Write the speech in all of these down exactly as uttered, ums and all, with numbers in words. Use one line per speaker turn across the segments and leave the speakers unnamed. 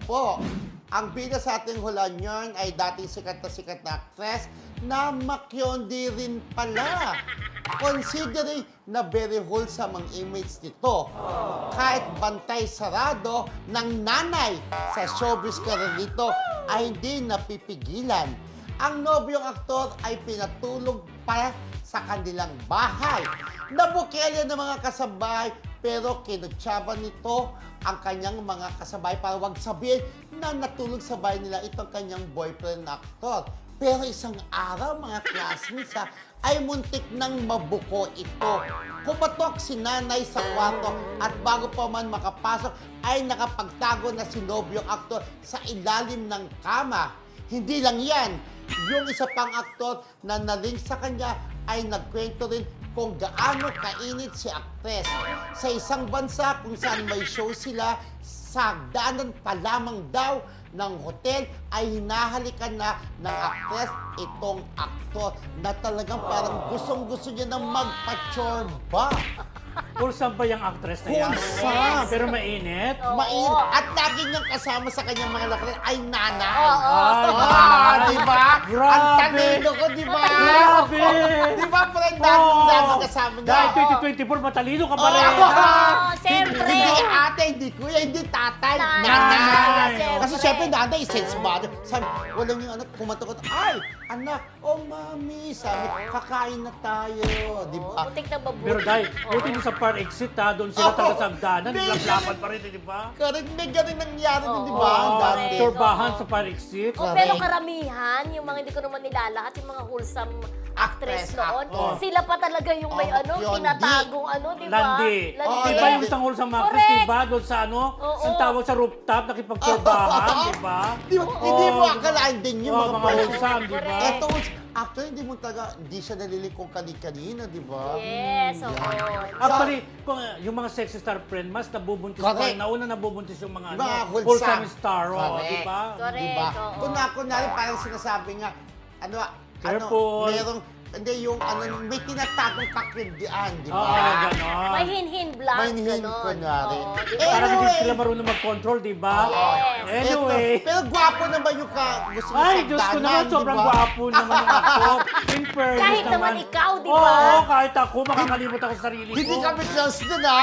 po. Ang bida sa ating hulan yun ay dating sikat na sikat na actress na Makyondi rin pala. Considering na very wholesome ang image nito. Kahit bantay sarado ng nanay sa showbiz career nito ay hindi napipigilan. Ang nobyong aktor ay pinatulog pa sa kanilang bahay. Nabukele ng mga kasabay pero kinutsaban nito ang kanyang mga kasabay para wag sabihin na natulog sa bahay nila itong kanyang boyfriend na aktor. Pero isang araw, mga classmates ha, ay muntik nang mabuko ito. Kumatok si nanay sa kwarto at bago pa man makapasok ay nakapagtago na si nobyong aktor sa ilalim ng kama. Hindi lang yan, yung isa pang aktor na naling sa kanya ay nagkwento rin kung gaano kainit si aktres. Sa isang bansa kung saan may show sila, sa hagdanan pa lamang daw ng hotel ay hinahalikan na ng aktres itong aktor na talagang parang gustong-gusto niya na magpa-chorba.
Wholesome ba yung actress na yan?
Wholesome.
Pero mainit?
Oo.
Mainit. At lagi niyang kasama sa kanyang mga lakad ay nanay.
Oo.
Ay,
Ah, di ba?
Grabe.
Ang talino ko, di ba?
Grabe.
Di ba, friend? Dami
Oo.
dami kasama niya.
Dahil twenty twenty-four, matalino ka pa rin.
Oo.
Oo, siyempre.
Hindi ate, hindi kuya, hindi tatay.
Nanay.
Nanay.
Siyempre.
Kasi syempre nanay, sense mother. Sabi, walang yung anak, kumatakot. Ay, anak, oh mami, sabi, kakain na tayo. Di ba?
Butik na babuti.
Pero dahil, buti doon sa par exit ha, doon sila
Oo.
talaga sa hagdanan,
May
laplapan
ganun.
pa rin, di ba?
Correct, may ganun nangyari din, di
Oo.
ba?
Oo,
Dati.
turbahan
Oo.
sa par exit.
Oh, pero karamihan, yung mga hindi ko naman nilalahat, yung mga wholesome actress
Actress,
noon,
actor.
sila pa talaga yung may
Oh,
ano,
yun,
tinatagong ano, di ba?
Landi.
Oo,
Di ba yung isang wholesome actress,
Correct.
di ba? Doon sa ano,
Oo.
ang tawag sa rooftop, nakipagturbahan,
Oo.
di ba?
Di ba? Hindi mo akalain din yung
Oo,
mga
mga
person.
wholesome, di ba?
Correct.
Eto, actually, hindi mo talaga, hindi siya nalilikong kani-kanina, di ba?
Yes, oo.
Actually, kung, uh, yung mga sexy star friend, mas nabubuntis pa.
Correct.
Nauna nabubuntis yung mga,
Mga
ano,
wholesome.
wholesome star, oh,
Correct.
di ba?
Correct.
Diba?
oo.
Kung na, kunwari, parang sinasabi nga, ano,
Careful.
ano, merong, hindi, yung, ano, may tinatagong kakindian, di ba?
Oo, ganon.
May hin-hin blank,
May hin-hin,
ganon.
kunwari.
Oo, di
Eh,
ba?
Parang hindi
Anyway.
sila marunong mag-control, di ba?
Yes.
Anyway.
Eto, pero gwapo naman yung ka, gusto mo
Ay,
sa
Diyos ko
hagdanan,
naman,
di
sobrang
ba?
gwapo naman ng actor. In fairness
Kahit naman ikaw, di ba?
Oo, kahit ako, makakalimot ako sa sarili ko.
Hindi kami close dun, ha?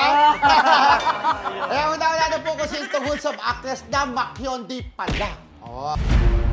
Kaya una-una na po kasi itong wholesome actress na Makyondi pala. Oh.